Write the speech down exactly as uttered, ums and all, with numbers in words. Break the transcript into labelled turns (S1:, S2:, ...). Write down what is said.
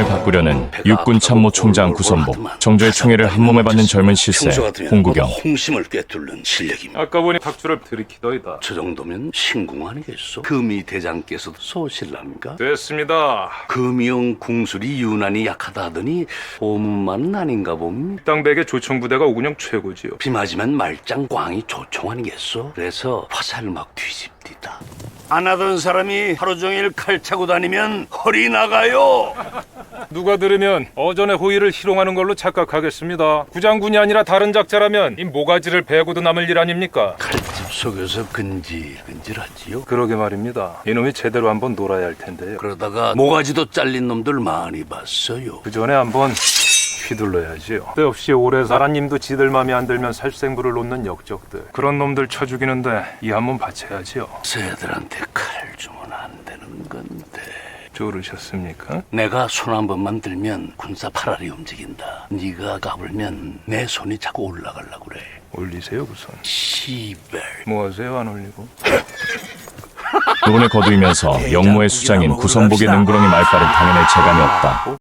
S1: 세상을 바꾸려는 육군 참모총장 구선복, 정조의 총애를 한몸에 받는 젊은 실세 홍구경.
S2: 홍심을 꿰뚫는 실력입니다.
S3: 아까 보니 박주를 들이키더이다.
S2: 저 정도면 신궁 아니겠소? 금이 대장께서도 쏘실랍니까?
S3: 됐습니다.
S2: 금이용 궁술이 유난히 약하다 하더니 소문만은 아닌가 봅니다.
S3: 땅백의 조총부대가 오군영 최고지요.
S2: 비 맞으면 말짱 꽝이 조총 아니겠소? 그래서 화살 막 뒤집디다. 안 하던 사람이 하루 종일 칼 차고 다니면 허리 나가요.
S3: 누가 들으면 어전의 호의를 희롱하는 걸로 착각하겠습니다. 구장군이 아니라 다른 작자라면 이 모가지를 베고도 남을 일 아닙니까?
S2: 칼집 속에서 근질근질하지요.
S3: 그러게 말입니다. 이놈이 제대로 한번 놀아야 할 텐데요.
S2: 그러다가 모가지도 잘린 놈들 많이 봤어요.
S3: 그 전에 한번 휘둘러야지요. 때없이 오래 사라님도 지들 맘에 안 들면 살생부를 놓는 역적들. 그런 놈들 쳐 죽이는데 이 한 번 바쳐야지요.
S2: 새들한테 칼 주면 안 되는 건데.
S3: 조르셨습니까?
S2: 내가 손 한 번만 들면 군사 팔알이 움직인다. 네가 까불면 내 손이 자꾸 올라가려고 그래.
S3: 올리세요 그 손.
S2: 시벨.
S3: 뭐 하세요 안 올리고?
S1: 노론에 거두이면서 영모의 수장인 구선복의 능구렁이 말빨은 당연히 재감이 없다.